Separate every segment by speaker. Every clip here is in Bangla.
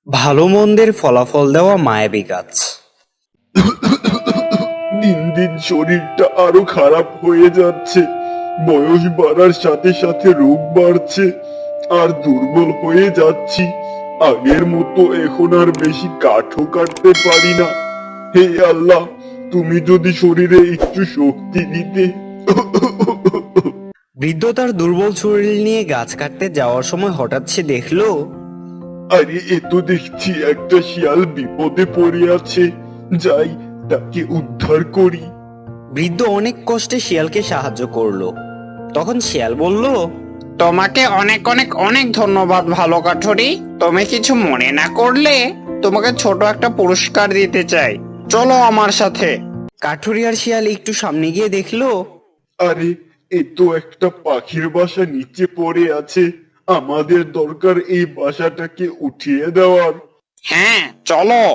Speaker 1: ভালো মন্দের ফলাফল দেওয়া মায়াবী গাছ।
Speaker 2: দিন দিন শরীরটা আরো খারাপ হয়ে যাচ্ছে। বয়স বাড়ার সাথে সাথে রোগ বাড়ছে, আর দুর্বল হয়ে যাচ্ছি। আগের মতো এখন আর বেশি কাঠও কাটতে পারি না। হে আল্লাহ, তুমি যদি শরীরে একটু শক্তি দিতে।
Speaker 1: বৃদ্ধ তার দুর্বল শরীর নিয়ে গাছ কাটতে যাওয়ার সময় হঠাৎ সে দেখলো
Speaker 2: আরে এ তো দেখছি একটা শিয়াল বিপদে পড়ে আছে। যাই, তাকে উদ্ধার করি।
Speaker 1: বৃদ্ধ অনেক কষ্টে শিয়ালকে সাহায্য করলো। তখন শিয়াল বলল,
Speaker 3: তোমাকে অনেক অনেক অনেক ধন্যবাদ ভালো কাঠুরি। তুমি কিছু মনে না করলে তোমাকে ছোট একটা পুরস্কার দিতে চাই, চলো আমার সাথে।
Speaker 1: কাঠুরি আর শিয়াল একটু সামনে গিয়ে দেখলো
Speaker 2: আরে এ তো একটা পাখির বাসা নিচে পড়ে আছে। আমাদের দরকার এই বাসাটাকে উঠিয়ে দেওয়ার।
Speaker 3: হ্যাঁ চলো।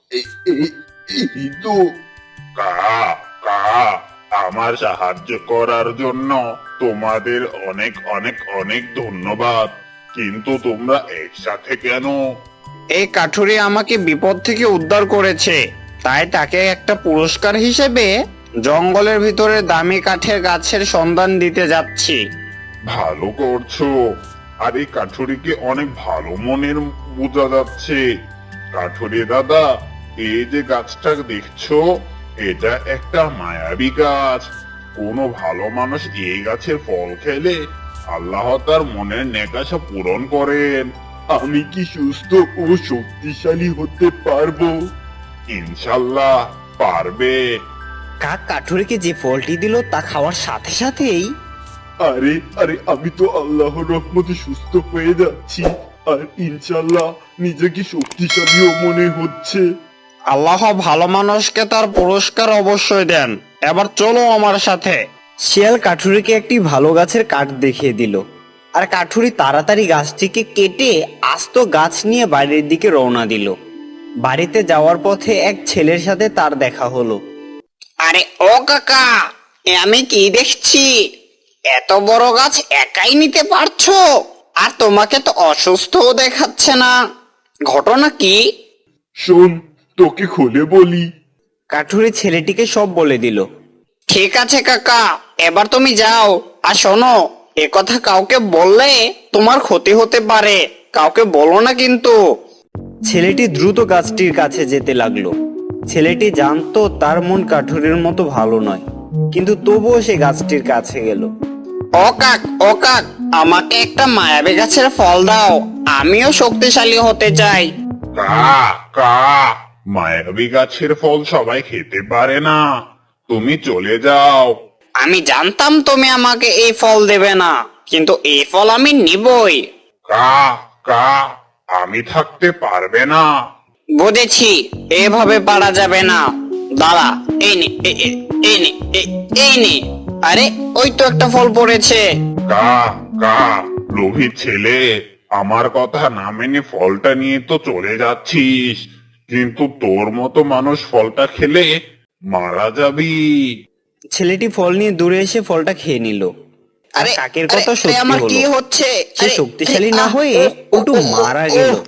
Speaker 2: এই তো।
Speaker 4: কা কা আমার সাহায্য করার জন্য তোমাদের অনেক অনেক অনেক ধন্যবাদ। কিন্তু তোমরা একসাথে কেন?
Speaker 3: এই কাঠুরি আমাকে বিপদ থেকে উদ্ধার করেছে, তাই তাকে একটা পুরস্কার হিসেবে জঙ্গলের ভিতরে দামি কাঠের গাছের সন্ধান দিতে যাচ্ছি।
Speaker 4: ভালো করছো। আর এই কাঠুরিকে অনেক ভালো মনের বোঝা যাচ্ছে। কাঠুরি দাদা, এই যে গাছটা দেখছো, এটা একটা মায়াবী গাছ। কোনো ভালো মানুষ এই গাছের ফল খেলে আল্লাহ তার মনের নেকাশা পূরণ করেন।
Speaker 2: আমি কি সুস্থ ও শক্তিশালী হতে পারবো?
Speaker 4: ইনশাল্লাহ পারবে।
Speaker 1: কাক কাঠুরিকে যে ফলটি দিল তা খাওয়ার সাথে সাথেই
Speaker 2: আরে আরে আমি তো আল্লাহর রহমতে সুস্থ হয়ে যাচ্ছি, আর ইনশাল্লাহ নিজেকে শক্তিশালীও মনে হচ্ছে।
Speaker 3: আল্লাহ ভালো মানুষকে তার পুরস্কার অবশ্যই দেন। এবার চলো আমার সাথে।
Speaker 1: শিয়াল কাঠুরিকে একটি ভালো গাছের কাঠ দেখিয়ে দিল, আর কাঠুরি তাড়াতাড়ি গাছটিকে কেটে আস্ত গাছ নিয়ে বাড়ির দিকে রওনা দিল। বাড়িতে যাওয়ার পথে এক ছেলের সাথে তার দেখা হলো।
Speaker 3: আরে ও কাকা, এ আমি কি দেখছি? এত বড় গাছ একাই নিতে পারছো? আর তোমাকে তো অসুস্থও দেখাচ্ছে না, ঘটনা কি?
Speaker 2: শোন, তোকে খুলে বলি।
Speaker 1: কাঠুরি ছেলেটিকে সব বলে দিল।
Speaker 3: ঠিক আছে কাকা, এবার তুমি যাও। আর শোনো, এ কথা কাউকে বললে তোমার ক্ষতি হতে পারে, কাউকে বলো না কিন্তু।
Speaker 1: ছেলেটি দ্রুত গাছটির কাছে যেতে লাগলো। ছেলেটি জানতো তার মন কাঠুরির মতো ভালো নয়, কিন্তু তবুও সে গাছটির কাছে গেল।
Speaker 3: ও কাক, আমাকে একটা মায়াবী গাছের ফল দাও, আমিও শক্তিশালী হতে চাই।
Speaker 4: কা কা মায়াবী গাছের ফল সবাই খেতে পারে না। তুমি চলে যাও।
Speaker 3: আমি জানতাম তুমি আমাকে এই ফল দেবে না, কিন্তু এই ফল আমি নিবই।
Speaker 4: কা কা আমি থাকতে পারবে না।
Speaker 3: বুঝেছি, এভাবে পারা যাবে না। দাঁড়া, এই নে, এই নে, এই নে। আরে ওই তো একটা ফল পড়েছে।
Speaker 4: কা কা লোভী ছেলে, আমার কথা না মেনে ফলটা নিয়ে তো চলে যাচ্ছিস, কিন্তু তোর মতো মানুষ ফলটা খেলে মারা যাবি।
Speaker 1: ছেলেটি ফল নিয়ে দূরে এসে ফলটা খেয়ে নিল। আর
Speaker 3: আরে
Speaker 1: কাকের
Speaker 3: আরে,
Speaker 1: কথা
Speaker 3: আরে,
Speaker 1: সত্যি
Speaker 3: আমার কি
Speaker 1: হলো।
Speaker 3: হচ্ছে?
Speaker 1: সে
Speaker 3: আরে,
Speaker 1: শক্তিশালী না
Speaker 3: আহ,
Speaker 1: হয়ে
Speaker 3: ও, ও,
Speaker 1: একটু
Speaker 3: ও, ও,
Speaker 1: মারা
Speaker 3: ও,
Speaker 1: গেল।